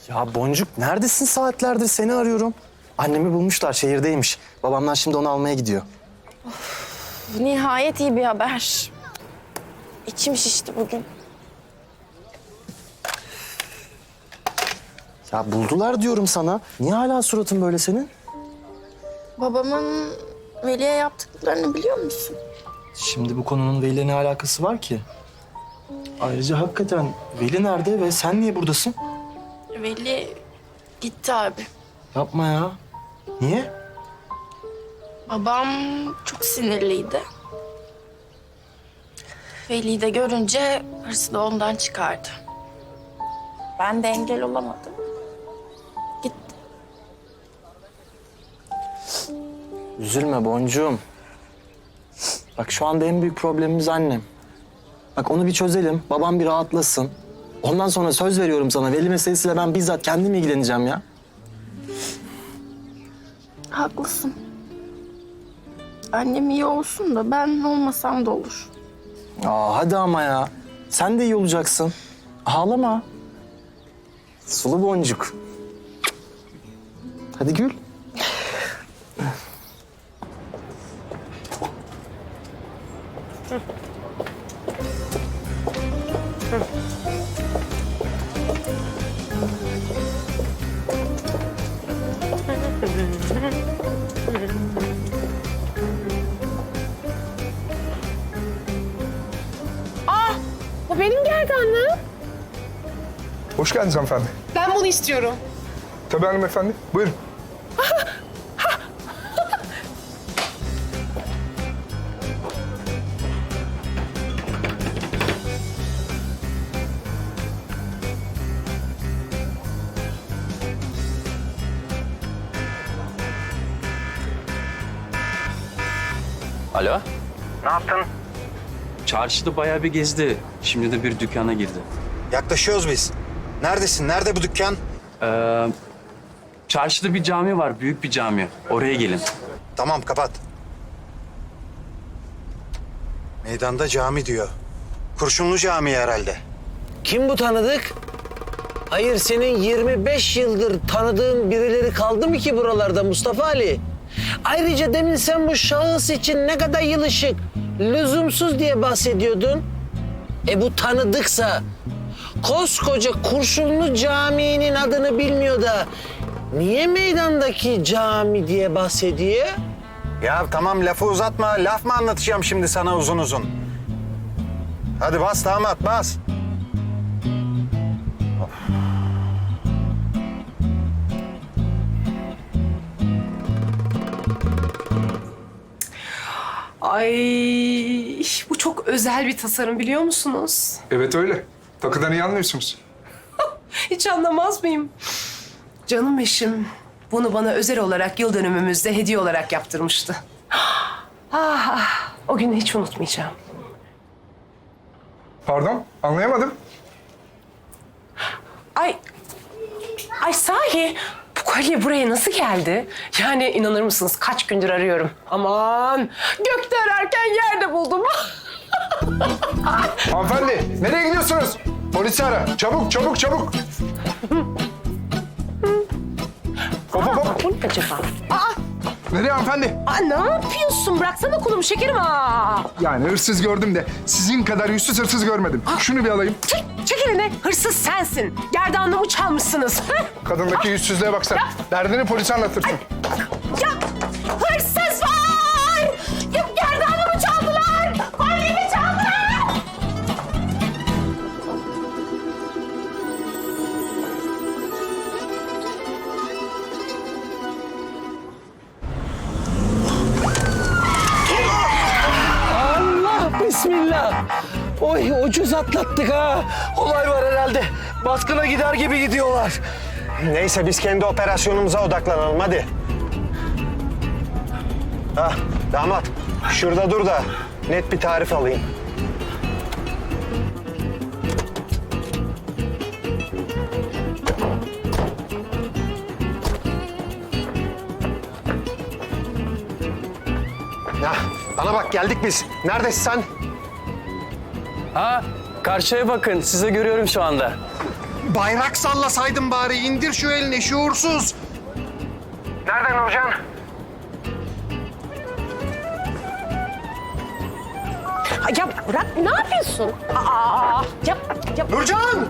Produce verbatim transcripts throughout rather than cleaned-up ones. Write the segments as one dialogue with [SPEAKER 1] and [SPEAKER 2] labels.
[SPEAKER 1] Ya Boncuk neredesin saatlerdir seni arıyorum. Annemi bulmuşlar şehirdeymiş. Babamlar şimdi onu almaya gidiyor.
[SPEAKER 2] Bu nihayet iyi bir haber. İçim şişti bugün.
[SPEAKER 1] Ya buldular diyorum sana. Niye hala suratın böyle senin?
[SPEAKER 2] Babamın Veli'ye yaptıklarını biliyor musun?
[SPEAKER 1] Şimdi bu konunun Veli'yle ne alakası var ki? Ayrıca hakikaten Veli nerede ve sen niye buradasın?
[SPEAKER 2] Veli gitti abi.
[SPEAKER 1] Yapma ya. Niye?
[SPEAKER 2] Babam çok sinirliydi. Veli'yi de görünce hırsı da ondan çıkardı. Ben de engel olamadım. Gitti.
[SPEAKER 1] Üzülme Boncuğum. Bak şu anda en büyük problemimiz annem. Bak onu bir çözelim, babam bir rahatlasın. Ondan sonra söz veriyorum sana, Veli meselesiyle ben bizzat kendim ilgileneceğim ya.
[SPEAKER 2] Haklısın. Annem iyi olsun da ben olmasam da olur.
[SPEAKER 1] Aa hadi ama ya. Sen de iyi olacaksın. Ağlama. Sulu boncuk. Hadi gül.
[SPEAKER 3] Bu benim gerdanlığım.
[SPEAKER 4] Hoş geldiniz hanımefendi.
[SPEAKER 3] Ben bunu istiyorum.
[SPEAKER 4] Tabii hanımefendi. Buyurun.
[SPEAKER 5] Alo?
[SPEAKER 6] Ne yaptın?
[SPEAKER 5] Çarşıda bayağı bir gezdi. Şimdi de bir dükkana girdi.
[SPEAKER 6] Yaklaşıyoruz biz. Neredesin? Nerede bu dükkan?
[SPEAKER 5] Ee, çarşıda bir cami var, büyük bir cami. Oraya gelin.
[SPEAKER 6] Tamam, kapat. Meydanda cami diyor. Kurşunlu Camii herhalde.
[SPEAKER 7] Kim bu tanıdık? Hayır, senin yirmi beş yıldır tanıdığın birileri kaldı mı ki buralarda Mustafa Ali? Ayrıca demin sen bu şahıs için ne kadar yılışık, lüzumsuz diye bahsediyordun. E bu tanıdıksa, koskoca Kurşunlu Camii'nin adını bilmiyor da niye meydandaki cami diye bahsediyor?
[SPEAKER 6] Ya tamam, lafı uzatma. Laf mı anlatacağım şimdi sana uzun uzun? Hadi bas damat, bas.
[SPEAKER 3] Ay, bu çok özel bir tasarım biliyor musunuz?
[SPEAKER 4] Evet öyle. Takıdan iyi anlıyorsunuz.
[SPEAKER 3] Hiç anlamaz mıyım? Canım eşim bunu bana özel olarak yıl dönümümüzde hediye olarak yaptırmıştı. Ah, ah, o günü hiç unutmayacağım.
[SPEAKER 4] Pardon, anlayamadım.
[SPEAKER 3] Ay, ay sahi bu kolye buraya nasıl geldi? Yani inanır mısınız kaç gündür arıyorum. Aman gökte ararken yerde buldum.
[SPEAKER 4] Hanımefendi, nereye gidiyorsunuz? Polisi ara. Çabuk, çabuk, çabuk. Hop, hop, hop.
[SPEAKER 3] Bu ne acaba?
[SPEAKER 4] Nereye hanımefendi?
[SPEAKER 3] Aa, ne yapıyorsun? Bıraksana kolumu şekerim ha.
[SPEAKER 4] Yani hırsız gördüm de sizin kadar yüzsüz hırsız görmedim. Şunu bir alayım.
[SPEAKER 3] Çek, çek elini. Hırsız sensin. Gerdanlığımı çalmışsınız.
[SPEAKER 4] Kadındaki yüzsüzlüğe baksana. Derdini polise anlatırsın.
[SPEAKER 3] Ya hırsız var! Ya gerdanlığımı çaldılar! Kolyemi çaldılar!
[SPEAKER 7] Allah bismillah. Oy ucuz atlattık ha. Olay var herhalde. Baskına gider gibi gidiyorlar.
[SPEAKER 6] Neyse, biz kendi operasyonumuza odaklanalım, hadi. Ah, damat. Şurada dur da net bir tarif alayım. Ya, bana bak, geldik biz. Neredesin sen?
[SPEAKER 5] Ha, karşıya bakın. Size görüyorum şu anda.
[SPEAKER 4] Bayrak sallasaydın bari. İndir şu elini şuursuz. Nerede Nurcan?
[SPEAKER 3] Ya bırak, ne yapıyorsun? Aa, ya, ya.
[SPEAKER 4] Nurcan!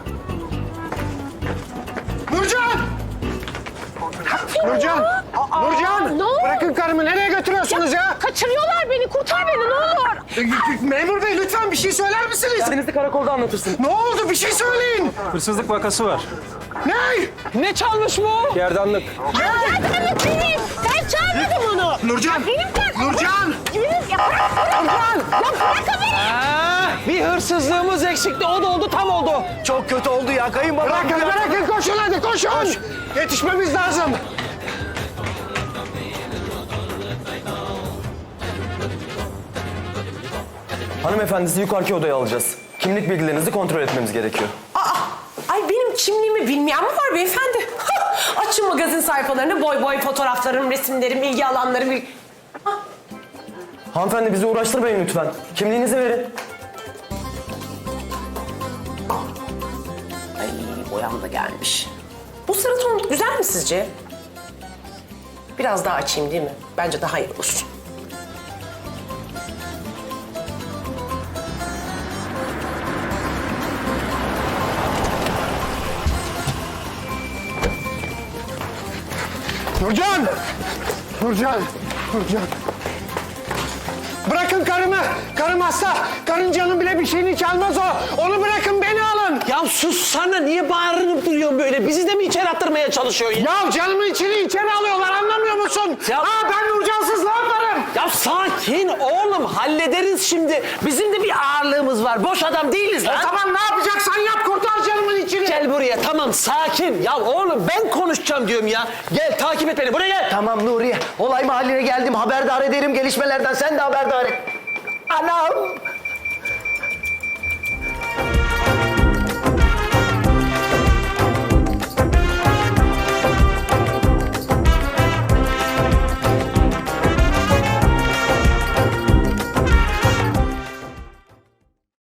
[SPEAKER 4] Nurcan! Nurcan! Nurcan!
[SPEAKER 3] Ne oldu?
[SPEAKER 4] Bırakın karımı. Nereye götürüyorsunuz ya?
[SPEAKER 3] Kaçırıyorlar beni, kurtar beni ne olur.
[SPEAKER 4] Memur bey lütfen bir şey söyler misiniz?
[SPEAKER 5] Denizli karakolda anlatırsın.
[SPEAKER 4] Ne oldu? Bir şey söyleyin.
[SPEAKER 5] Hırsızlık vakası var.
[SPEAKER 4] Ne?
[SPEAKER 7] Ne çalmış bu?
[SPEAKER 5] Gerdanlık.
[SPEAKER 3] Gerdanlık benim. Ben çalmadım onu.
[SPEAKER 4] Nurcan!
[SPEAKER 3] Benim de.
[SPEAKER 4] Nurcan!
[SPEAKER 3] Benim, ya bırak, bırak. Ya bırakın beni.
[SPEAKER 7] Ha, bir hırsızlığımız eksikti. O da oldu, tam oldu.
[SPEAKER 5] Çok kötü oldu ya kayınbabam.
[SPEAKER 4] Bırakın bırakın koşun hadi koşun. Yetişmemiz lazım.
[SPEAKER 8] Hanımefendi sizi yukarıki odaya alacağız. Kimlik bilgilerinizi kontrol etmemiz gerekiyor.
[SPEAKER 3] Aa, ay benim kimliğimi bilmeyen mi var beyefendi? Açın magazin sayfalarını, boy boy fotoğraflarım, resimlerim, ilgi alanlarım. il-
[SPEAKER 8] Hanımefendi bizi uğraştırmayın lütfen. Kimliğinizi verin.
[SPEAKER 3] Ay boyam da gelmiş. Bu sarı ton güzel mi sizce? Biraz daha açayım değil mi? Bence daha iyi olur.
[SPEAKER 4] Nurcan! Nurcan! Nurcan! Bırakın karımı! Karım hasta! Karıncanın bile bir şeyini çalmaz o! Onu bırakın, beni alın!
[SPEAKER 7] Ya sus sana, niye bağırınıp duruyorsun böyle? Bizi de mi içeri attırmaya çalışıyorsun? Ya,
[SPEAKER 4] Ya canımın içini içeri alıyorlar, anlamıyor musun?
[SPEAKER 7] Ya-
[SPEAKER 4] Ha ben Nurcansız ne yaparım?
[SPEAKER 7] ya sakin oğlum, hallederiz şimdi. Bizim de bir ağırlığımız var. Boş adam değiliz lan.
[SPEAKER 4] Tamam ne yapacaksan yap, kurtar canımın içini!
[SPEAKER 7] Gel buraya, tamam sakin. Ya oğlum ben konuşacağım diyorum ya. Gel takip et beni, buraya gel.
[SPEAKER 9] Tamam Nuriye. Olay mahalline geldim. Haberdar ederim gelişmelerden. Sen de haberdar et.
[SPEAKER 7] Anam.